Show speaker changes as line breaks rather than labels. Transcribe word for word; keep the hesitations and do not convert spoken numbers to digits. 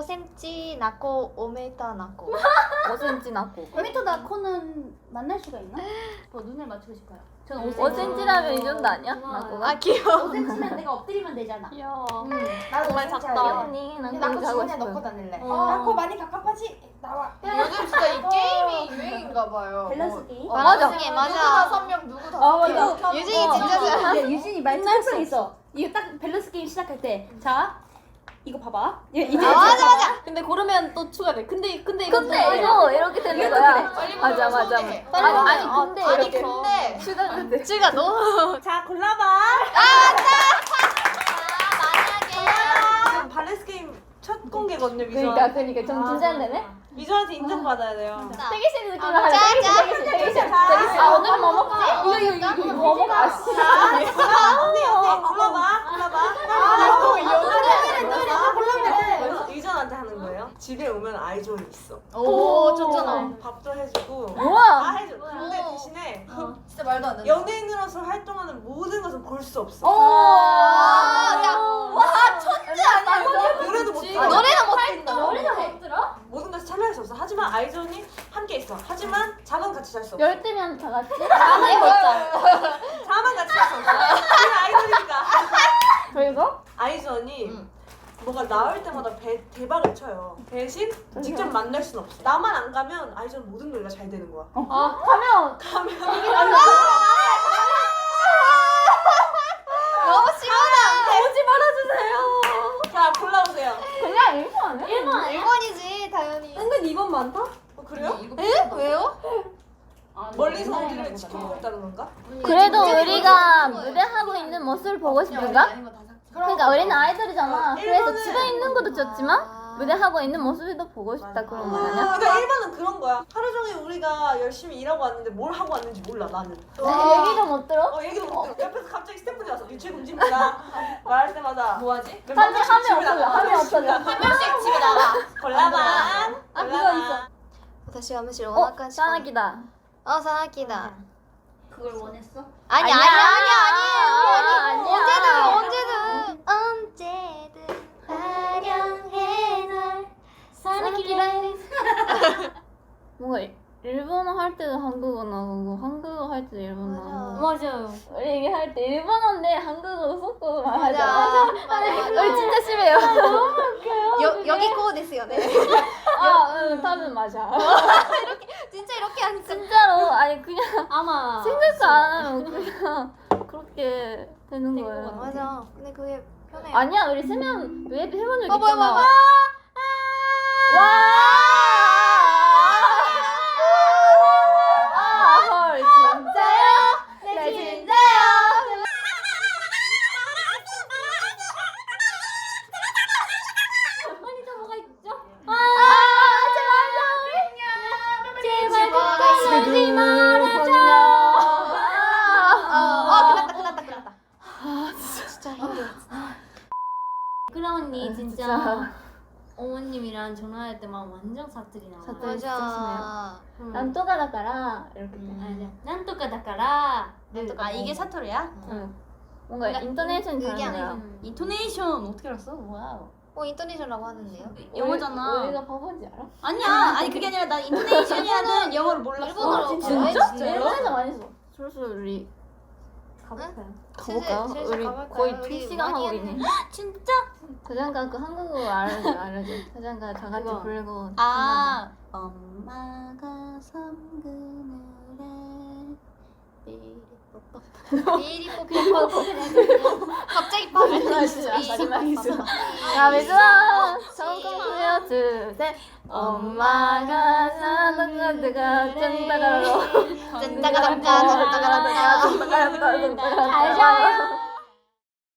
센티미터 낳고 오 미터 낳고.
오 센티미터 낳고.
오 미터 낳고는 만날 수가 있나? 뭐 눈을 맞추고 싶어요. 저는 오
오
센티미터.
센티미터라면 이 정도 아니야? 낳고가?
아 귀여워.
오 센티미터면 내가 엎드리면 되잖아.
귀여워.
나도
정말
진짜
작다.
알려.
언니 난
낳고
그렇게 하고
주머니에 넣고
싶어요.
다닐래.
어.
낳고 많이 갑갑하지? 나와.
요즘 진짜 이 게임이 유행인가 봐요.
밸런스 게임.
어,
맞아.
맞아.
누구
맞아.
다섯 명 누구 다섯
어,
명.
맞아.
유진이
어,
진짜
어,
잘.
근데 유진이 말투 특성 있어. 이거 딱 밸런스 게임 시작할 때, 자 이거 봐봐. 이- 이제
아, 맞아 맞아.
근데 고르면 또 추가돼. 근데 근데
근데
이것도
이거
이렇게 되는
이것도
거야.
빨리
맞아
보면
맞아.
손해.
아니
빨리
아니
보면.
근데
아니
이렇게
근데
추가가 돼.
쯔가 너무.
자 골라봐.
지금 발레스 게임 첫 공개거든요, 미소한.
그러니까 그러니까 좀 긴장되네.
미소한테 인정받아야 돼요.
대기실 느낌으로
아,
하자. 대기실
짜,
대기실 대기실. 대기실. 아 오늘 뭐 먹지?
이거 이거 이거 이거
뭐 먹어? 아 씨.
언니, 언니, 골라봐, 골라봐.
골라봐.
유전한테 하는 거예요. 집에 오면 아이존이 있어.
오 좋잖아.
밥도 해주고. 다
우와.
해줘. 근데 대신에
진짜 말도 안 돼.
연예인으로서 활동하는 모든 것을 볼 수 없어.
오.
야,
와 천재 아니야?
노래도 못
아,
들어.
노래는 못 듣는다.
노래도 못 들어?
모든 것을 참여할 수 없어. 하지만 아이존이 함께 있어. 하지만 잠은 같이 잘 수 없어.
열대면 다 같이. 하나에 먹자.
잠은 같이 잘 수 없어. 우리는 아이존이니까.
그리고
아이존이
응.
뭐가 나올 때마다 배, 대박을 쳐요. 대신 직접 만날 순 없어. 나만 안 가면 아이존 모든 노래가 잘 되는 거야.
아 가면
너무 시원하.
오지 말아주세요.
자, 골라보세요.
그냥 일본 아니야?
일본 일본이지 당연히.
은근 이번 많다?
어, 그래요?
에? 왜요?
멀리서 우리를 지켜보고 있다는 건가?
그래도
진짜
우리가
그런 거예요.
무대하고 있는 모습을 보고 싶은가? 그러니까 우리는 아이돌이잖아.
어,
그래서
일본은-
집에 있는 것도 좋지만
아.
무대하고 있는 모습도 보고 싶다 그런 거 아니야?
그러니까 일본은 그런 거야. 하루 종일 우리가 열심히 일하고 왔는데 뭘 하고 왔는지 몰라, 나는.
얘기도 못 들어?
어, 얘기도 못 들어. 옆에서 갑자기 스태프들이 와서 유채 금지입니다. 말할 때마다
뭐하지?
하면 하면 어떨래? 하면 어떨래?
한 명씩 집에 나가.
골라봐.
아, 그거 있어.
私はむしろ
어?
お腹しか
사나기다.
어 사나키다.
그걸 원했어?
아니
아니야.
아니 아니 아니
아니야.
언제든 언제든 언제든 화려해 널 사나키를.
뭔가 일본어 할 때도 한국어 나오고 한국어 할 때도 일본어 나오고
맞아요.
우리 이게 할 때 일본어인데 한국어로 섞고 말하잖아.
맞아. 맞아.
우리 진짜 심해요.
여 여기 코ですよね.
아, 응, 답은 맞아.
진짜 이렇게 하니까.
진짜로 아니 그냥
아마
생각도 안 하면 그냥 그렇게 되는 거예요.
맞아. 근데 그게 편해.
아니야 우리 세면 왜 해본 적
어, 뭐야,
있잖아.
뭐야,
와! 헐 진짜요? 네 진짜요. 아 제발
제발
끝까지 말아줘.
어 끝났다 끝났다 끝났다. 아 진짜 힘들어.
크라 언니 진짜
진짜.
어머님이랑 전화할 때만 완전 사투리 나와요.
사투리.
맞아.
음.
난또가 다까라 이렇게 돼.
아니야. 난또까 다까라.
아 이게 사투리야?
응. 뭔가
그러니까
인터네이션이
그게
다른 거야.
음. 인토네이션 어떻게 알았어?
와우.
어 인터내셔널라고 하는데요?
영어잖아.
우리, 우리가 바본지 알아?
아니야. 아니 그게 아니라 나 인토네이션이라는 영어를 몰랐어.
일본어로
아, 진짜?
왜
진짜?
진짜요?
일본에서 많이 써. 솔솔 우리 가볼까요? 가볼까요?
슬슬, 슬슬
우리
가볼까요?
거의
우리
두 시간
많이
하고 있네.
진짜?
자장가 그 한국어 알려줘 알려줘. 자장가 다 같이
그거.
부르고.
아 엄마가 섬그늘에
비리뽀뽀. 갑자기 빠져.
마지막이죠. 자, 미주아 성공투여 주세. 엄마가 사는 가드가 짠다가로
짠따가랑까 짠따가랑까.
짠다가로 짠다가로 짠다가로